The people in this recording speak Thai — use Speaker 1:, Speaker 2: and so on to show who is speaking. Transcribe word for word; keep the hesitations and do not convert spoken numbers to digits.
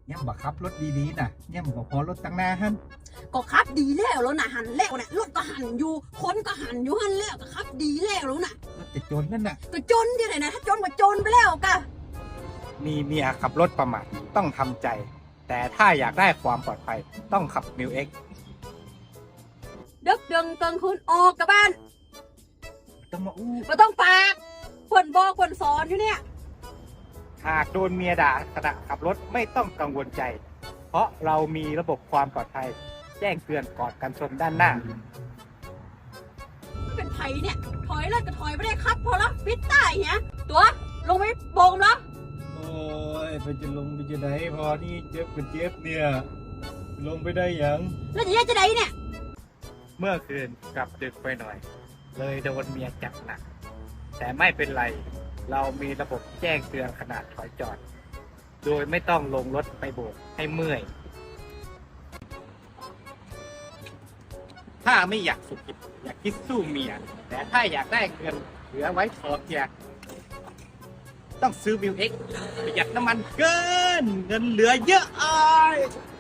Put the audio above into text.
Speaker 1: ย่ำบักขับรถดีๆนะย่ำบ่พอรถตั้งหน้าฮั่น
Speaker 2: ก็ขับดีแล้วแล้วนะหันแล้วนะรถก็หันอยู่คนก็หันอยู่หันแล้วก็ขับดีแล้วแล้วนะ
Speaker 1: รถจะจนนั่นน่ะ
Speaker 2: ก็จนที่ไหนนะถ้าจนก็จนไปแล้วกะ
Speaker 1: มีเมียขับรถประมาทต้องทำใจ แต่ถ้าอยากได้ความปลอดภัยต้องขับมิวเอ็ก
Speaker 2: ดึกดึงเกิงคืนออกกับบ้าน
Speaker 1: ต้องมาอู้
Speaker 2: ไม่ต้องปากคนบอกคนสอนอยู่เนี่ย
Speaker 1: หากโดนเมียด่าขณะขับรถไม่ต้องกังวลใจ เพราะเรามีระบบความปลอดภัย แจ้งเตือนก่อนการชนด้านหน้า
Speaker 2: เป็นไผเนี่ยถอยแล้วก็ถอยไม่ได้ครับพอแล้วปิดใต้เนี่ยตัวลงไปโบงแล้ว
Speaker 1: โอ้ยไปจะลงไปจะไหนพอนี่เจ็บก็เจ็บเนี่ยลงไปได้ยัง
Speaker 2: แล้วจะแยกจะไหนเนี่ย
Speaker 1: เมื่อคืนกลับดึกไปหน่อย เลยโดนเมียจับหนักแต่ไม่เป็นไรเรามีระบบแจ้งเตือนขณะถอยจอดโดยไม่ต้องลงรถไปโบกให้เมื่อยถ้าไม่อยากสุขิตอยากคิดสู้เมียแต่ถ้าอยากได้เงินเหลือไว้ขอเพียต้องซื้อวิวเอ็กประหยัดน้ำมันเกินเงินเหลือเยอะอ้อย